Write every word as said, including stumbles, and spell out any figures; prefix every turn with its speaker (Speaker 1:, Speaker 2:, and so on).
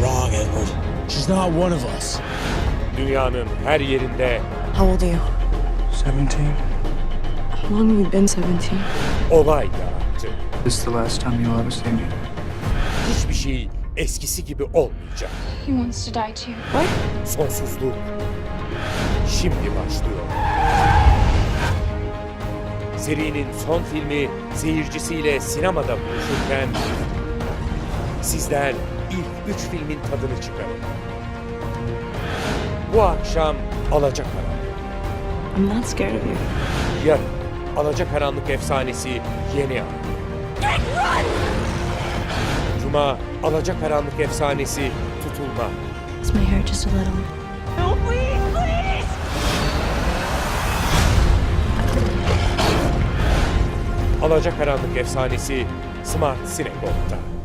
Speaker 1: wrong, Edward. She's not one of us.
Speaker 2: Dünyanın her yerinde
Speaker 3: How old are you?
Speaker 4: seventeen.
Speaker 3: How long have you been seventeen?
Speaker 2: olay yarattı.
Speaker 4: This is the last time you'll ever see me.
Speaker 2: Hiçbir şey eskisi gibi olmayacak.
Speaker 5: He wants to die too.
Speaker 2: Sonsuzluk şimdi başlıyor. Serinin son filmi seyircisiyle sinemada buluşurken sizler ilk üç filmin tadını çıkarın. Bu akşam Alacakaranlık,
Speaker 3: I'm not scared of you.
Speaker 2: yarın Alacakaranlık efsanesi yeni an. Cuma Alacakaranlık efsanesi tutulma.
Speaker 3: Is my hair just a little? No, please, please!
Speaker 2: Alacakaranlık efsanesi Smart Sinekop'ta.